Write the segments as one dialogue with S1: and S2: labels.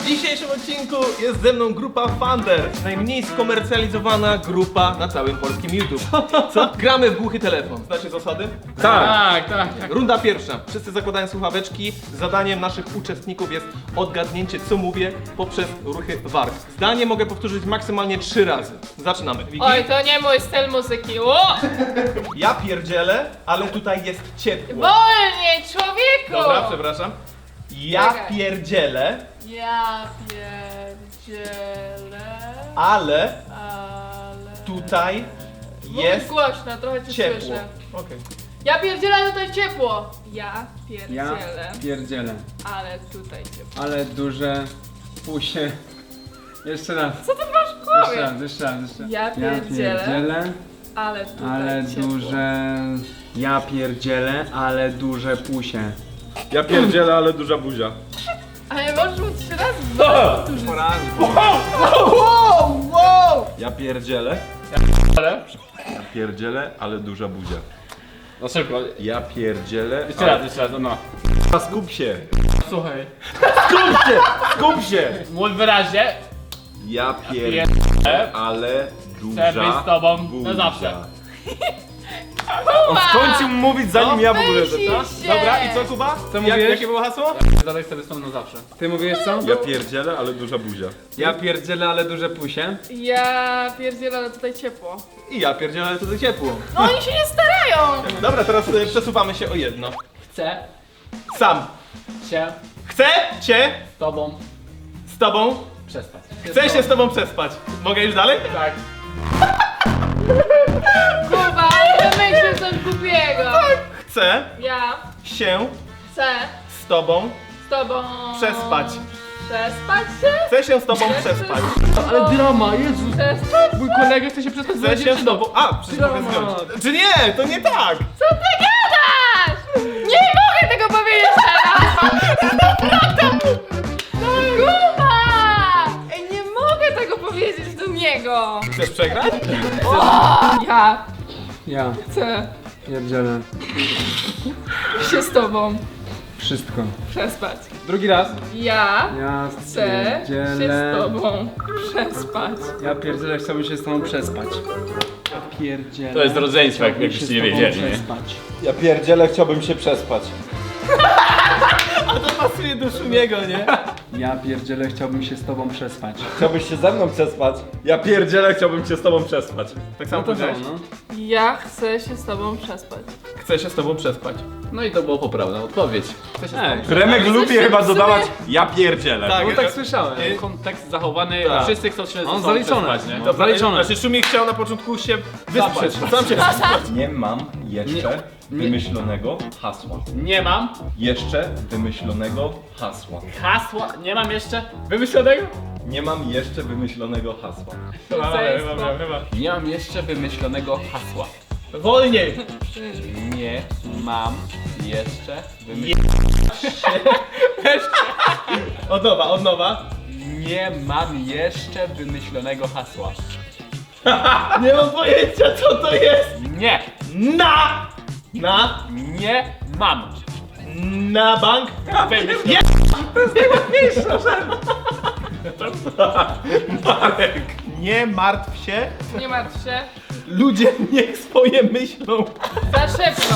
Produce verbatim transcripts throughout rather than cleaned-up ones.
S1: W dzisiejszym odcinku jest ze mną grupa Thunder, najmniej skomercjalizowana grupa na całym polskim YouTube. Co? Gramy w głuchy telefon. Znacie zasady?
S2: Tak, tak, tak.
S1: Runda pierwsza. Wszyscy zakładają słuchaweczki. Zadaniem naszych uczestników jest odgadnięcie, co mówię, poprzez ruchy warg. Zdanie mogę powtórzyć maksymalnie trzy razy. Zaczynamy. Wiki?
S3: Oj, to nie mój styl muzyki. O!
S1: Ja pierdzielę, ale tutaj jest ciepło.
S3: Wolniej, człowieku!
S1: Dobra, przepraszam. Ja
S3: Czekaj.
S1: pierdzielę,
S3: Ja pierdzielę,
S1: ale
S3: ale...
S1: tutaj
S3: Mówisz
S1: jest
S3: głośno, trochę cię
S1: ciepło.
S3: słyszę.
S1: Okej.
S3: Ja pierdzielę, ale tutaj ciepło. Ja
S2: Ja
S3: pierdzielę,
S2: pierdzielę,
S3: ale tutaj ciepło.
S2: ale duże pusie. Jeszcze raz.
S3: Co ty masz w
S2: Jeszcze
S3: głowie?
S2: raz, jeszcze raz, jeszcze raz.
S3: Ja pierdzielę,
S2: pierdzielę,
S3: ale tutaj
S2: ale
S3: ciepło.
S2: duże... Ja pierdzielę, ale duże pusie.
S4: Ja pierdzielę, ale duża buzia.
S3: Ale możesz mu trzy razy
S1: Porażę.
S4: Wow, wow! Ja pierdzielę.
S2: Ale?
S4: Ja pierdzielę, ale duża buzia.
S2: No szybko.
S4: Ja pierdzielę.
S2: Jeszcze raz, jeszcze raz, no.
S4: A skup się!
S2: Słuchaj.
S4: Skup się! Skup się!
S2: Mów wyraźnie.
S4: Ja
S2: Pierdzielę,
S4: pierdzielę, ale
S2: chcę być
S4: duża
S2: z tobą
S4: buzia.
S2: na zawsze.
S4: On skończył mówić zanim ja w ogóle
S3: Myślisz
S4: to.
S3: się.
S1: Dobra, i co Kuba?
S2: Co
S1: Jak,
S2: mówiłeś?
S1: jakie było hasło?
S2: Zadaj sobie z tobą na zawsze. Ty mówisz co?
S4: Ja pierdzielę, ale duża buzia.
S2: Ja pierdzielę, ale duże pusie.
S3: Ja pierdzielę, ale tutaj ciepło.
S1: I ja pierdzielę, ale tutaj ciepło.
S3: No oni się nie starają!
S1: Dobra, teraz y, przesuwamy się o jedno.
S2: Chcę
S1: Sam.
S2: się
S1: Chcę cię
S2: z tobą
S1: z tobą.
S2: przespać.
S1: Chcę się z tobą przespać. Mogę już dalej?
S2: Tak.
S3: Kuba, wymyślił coś głupiego.
S1: Chcę
S3: Ja
S1: się
S3: chcę
S1: z tobą.
S3: z tobą...
S1: Przespać.
S3: Przespać się?
S1: Chcę się z tobą przespać.
S2: Ale drama, Jezus.
S3: Przespać?
S2: Mój kolega chce się przespać
S1: Chcę się z tobą. A, przecież mogę
S2: Dramat.
S1: zgodzić. Czy nie? To nie tak.
S3: Co ty gadasz? Nie mogę tego powiedzieć teraz! Kuba! Ej, nie mogę tego powiedzieć do niego!
S1: Chcesz przegrać?
S3: Ja
S2: Ja
S3: chcę
S2: pierdzielę.
S3: się z tobą
S2: Wszystko.
S3: przespać.
S2: Drugi raz.
S3: Ja
S2: Ja
S3: chcę się
S2: pierdzielę.
S3: z tobą przespać.
S2: Ja pierdzielę, chciałbym się z tobą przespać. Ja pierdzielę.
S5: To jest rodzeństwo, jak-
S2: chciałbym
S5: jakbyście
S2: się
S5: nie
S2: z tobą
S5: wiedzieli, nie?
S2: przespać.
S4: Ja pierdzielę, chciałbym się przespać.
S1: A to pasuje do Szumiego, nie?
S2: Ja pierdzielę, chciałbym się z tobą przespać.
S4: Chciałbyś się ze mną przespać? Ja pierdzielę, chciałbym się z tobą przespać.
S1: Tak samo
S2: No to
S1: powiedziałeś.
S2: co, no?
S3: Ja chcę się z tobą przespać.
S1: Chcę się z tobą przespać.
S5: No i to było poprawna odpowiedź. Chcę się
S2: Ej,
S4: Remek
S3: Ale
S4: lubi
S3: coś
S4: chyba
S3: w sumie-
S4: dodawać ja pierdzielę.
S1: Tak.
S2: no tak słyszałem.
S1: Nie.
S5: kontekst zachowany,
S1: Tak.
S5: wszyscy chcą się ze
S2: On
S5: sobą
S2: zaliczony.
S5: przespać, nie?
S2: No.
S1: Dobra,
S2: Zaliczone.
S1: Znaczy Szumi chciał na początku się wyspać.
S2: przespać.
S1: Sam się przespać.
S4: Nie mam jeszcze wymyślonego hasła.
S5: Nie mam
S4: Jeszcze wymyślonego hasła.
S5: hasła, nie mam jeszcze wymyślonego?
S4: Nie mam jeszcze wymyślonego hasła.
S3: Rodzeństwo.
S5: Nie mam jeszcze wymyślonego hasła.
S1: Wolniej.
S5: Nie mam jeszcze wymyślonego...
S1: Od nowa, od nowa.
S5: Nie mam jeszcze wymyślonego hasła.
S1: Nie mam pojęcia, co to jest.
S5: Nie,
S1: Na. Na.
S5: nie mam.
S1: Na bank.
S5: Wymyślonego.
S1: Marek. Nie martw się.
S3: Nie martw się.
S1: Ludzie niech swoje myślą.
S3: Za szybko.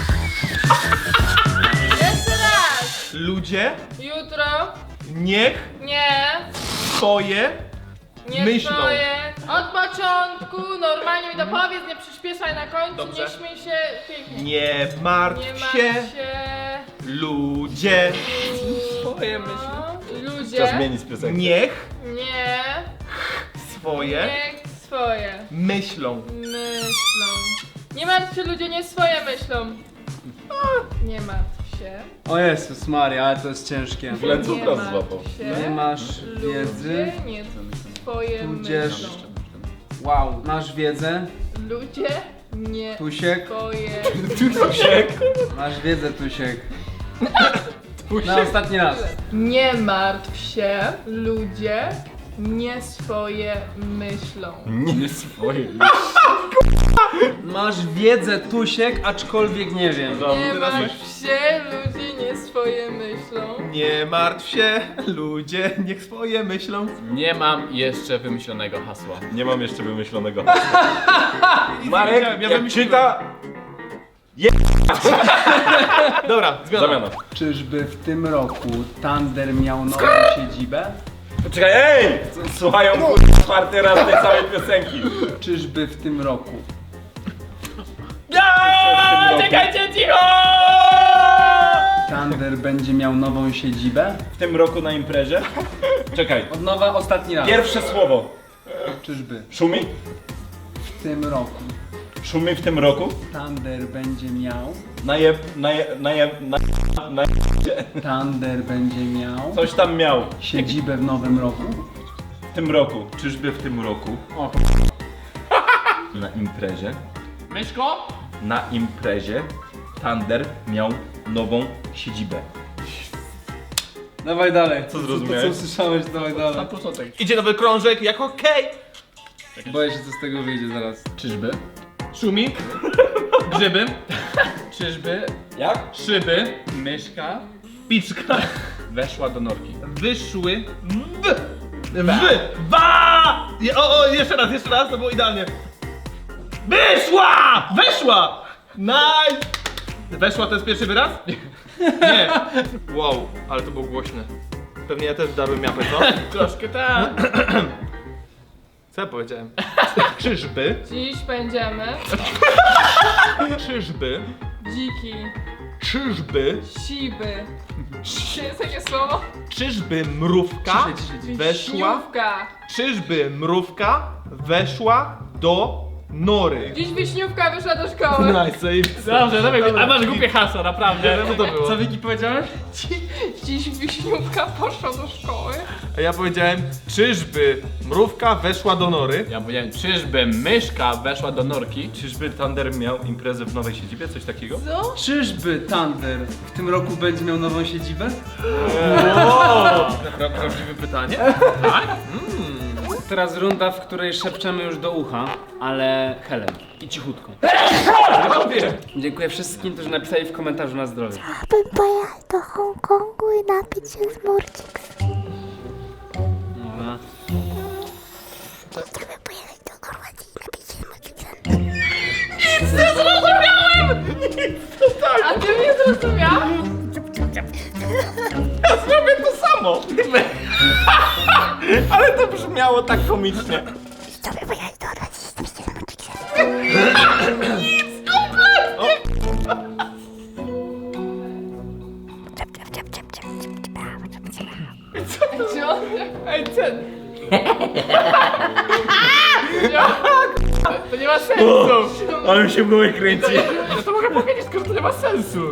S3: Jeszcze raz.
S1: Ludzie
S3: Jutro.
S1: niech
S3: Nie.
S1: swoje
S3: Nie
S1: myślą.
S3: stoję. Od początku normalnie mi to powiedz, nie przyspieszaj na końcu,
S1: Dobrze.
S3: nie śmiej się pięknie.
S1: Nie martw
S3: Nie
S1: się.
S3: martw się.
S1: Ludzie
S3: Swoje myśli.
S4: Trzeba
S3: Ludzie.
S4: zmienić piosenkę.
S1: niech
S3: Nie.
S1: swoje
S3: Niech swoje
S1: myślą.
S3: myślą. Nie martw się, ludzie nie swoje myślą. Nie martw się.
S2: O Jezus Maria, ale to jest ciężkie.
S4: Źle
S3: Nie
S4: cukros
S3: martw
S4: złapał.
S3: się.
S2: Nie masz wiedzy.
S3: Ludzie nie swoje
S2: Tudzież-
S3: myślą.
S2: Wow. Masz wiedzę.
S3: Ludzie nie
S2: Tusiek.
S3: swoje
S2: Masz wiedzę, Tusiek. Na ostatni raz.
S3: Nie martw się, ludzie nie swoje myślą.
S5: Nie swoje.
S2: Masz wiedzę, Tusiek, aczkolwiek nie wiem.
S3: Nie martw się, ludzie nie swoje myślą.
S1: Nie martw się, ludzie niech swoje myślą.
S5: Nie mam jeszcze wymyślonego hasła.
S4: Nie mam jeszcze wymyślonego hasła. Marek,
S1: Ja
S4: jak
S1: wymyśliłem.
S4: czyta...
S1: Dobra, zmiana.
S4: Zamiana.
S2: Czyżby w tym roku Thunder miał nową siedzibę?
S4: Poczekaj, ej! Słuchają kurwa czwarty raz tej samej piosenki.
S2: Czyżby w tym roku
S5: Czekajcie, cicho!
S2: Thunder będzie miał nową siedzibę?
S4: W tym roku na imprezie? Czekaj.
S2: Od nowa ostatni raz.
S4: Pierwsze słowo.
S2: Czyżby
S4: Szumi?
S2: w tym roku
S4: Szumi w tym roku?
S2: Thunder będzie miał
S4: Naje... Naje... Naje... Na... Na...
S2: Thunder będzie miał
S4: Coś tam miał.
S2: siedzibę w nowym roku?
S4: W tym roku. Czyżby w tym roku?
S2: O,
S4: Na imprezie?
S5: Myszko?
S4: Na imprezie Thunder miał nową siedzibę.
S2: dawaj dalej.
S4: Co zrozumiałeś?
S2: To co słyszałeś, dawaj
S5: Na
S2: dalej.
S5: początek.
S1: Idzie nowy krążek, jak okej.
S2: Boję się, co z tego wyjdzie zaraz.
S5: Czyżby?
S1: Szumi. Grzyby.
S5: Czyżby
S4: Jak?
S5: szyby, myszka
S1: Piczka.
S5: weszła do norki?
S1: Wyszły. W. W. Wa. Je- O, o, jeszcze raz, jeszcze raz, to było idealnie. Wyszła! Weszła! Nice! Weszła to jest pierwszy wyraz? Nie. Wow, ale to było głośne. Pewnie ja też darłem miapę, co?
S5: Troszkę tak.
S1: Co ja powiedziałem? Czyżby?
S3: Dziś będziemy
S1: Czyżby?
S3: dziki,
S1: Czyżby?
S3: siby. Czy jest takie słowo?
S1: Czyżby mrówka weszła?
S3: Wiśniówka.
S1: Czyżby mrówka weszła do nory?
S3: Dziś wiśniówka wyszła do szkoły.
S1: Nice, zajebiste.
S5: Dobrze, dobra, a masz głupie hasła, naprawdę.
S1: Co to było?
S2: Co Wiki powiedziałeś?
S3: Dziś wiśniówka poszła do szkoły.
S1: A ja powiedziałem, czyżby mrówka weszła do nory?
S5: Ja powiedziałem, czyżby myszka weszła do norki?
S4: Czyżby Thunder miał imprezę w nowej siedzibie? Coś takiego?
S3: Co?
S2: Czyżby Thunder w tym roku będzie miał nową siedzibę?
S1: Pra- Prawdziwe pytanie?
S2: Teraz runda, w której szepczemy już do ucha, ale Helen i cichutko. Dziękuję wszystkim, którzy napisali w komentarzu na zdrowie.
S6: Bym pojechał do Hongkongu i napić się z Murcix.
S2: Dobra.
S6: Chciałbym pojechać do Chorwacji i napić się z Murcixem.
S3: A ty mnie zrozumiał?
S4: Zrobię to samo! Ale to brzmiało tak komicznie.
S6: Chciałbym pojechać do Chorwacji i napić się z Murcixem. Czep, czep, czep, czep, czep, czep, czep, czep, czep.
S3: Czy on... Ej, ten. To nie ma sensu.
S4: Ale mi się w głowie kręci.
S5: No to mogę powiedzieć, skoro to nie ma sensu.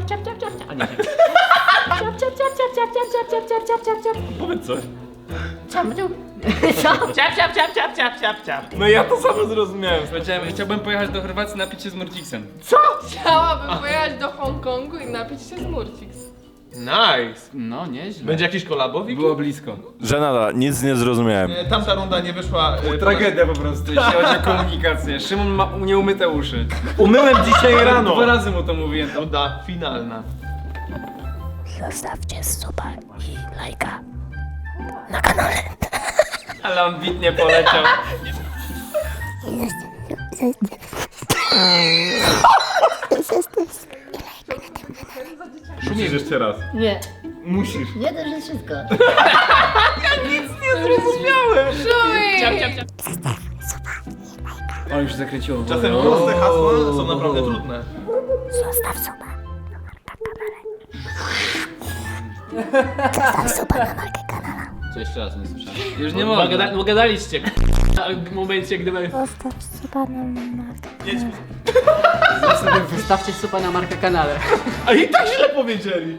S4: Powiedz coś.
S6: Ciap, ciap, ciap, ciap, ciap, ciap, ciap.
S4: No ja to samo zrozumiałem.
S2: Powiedziałem, chciałbym pojechać do Chorwacji i napić się z Murcixem.
S3: Chciałabym pojechać do Hongkongu i napić się z Murcix.
S1: Nice.
S5: No, nieźle.
S1: Będzie jakiś kolabo, Wiki?
S2: Było blisko.
S4: Żenada, nic nie zrozumiałem.
S1: E, Tamta runda nie wyszła. e,
S2: Tragedia po prostu, jeśli chodzi o komunikację. Szymon ma nieumyte uszy.
S4: Umyłem dzisiaj rano.
S2: Dwa razy mu to mówiłem.
S1: Runda finalna.
S6: Zostawcie suba i lajka na kanale.
S2: Ale on bitnie poleciał.
S4: Musisz jeszcze raz.
S6: Nie,
S4: Musisz.
S6: nie to jest wszystko.
S3: Szuj!
S2: On już zakręciło.
S1: Czasem proste hasła są naprawdę trudne.
S6: Zostaw suba na markę kanale. Zostaw suba na markę kanala.
S5: Co jeszcze raz nie słyszałem?
S2: Już nie
S5: Bo
S2: mogę.
S5: gada- bo gadaliście w momencie, gdyby...
S6: Zostaw suba na markę kanala.
S7: Zostawcie supa na markę kanale.
S1: A i tak źle powiedzieli.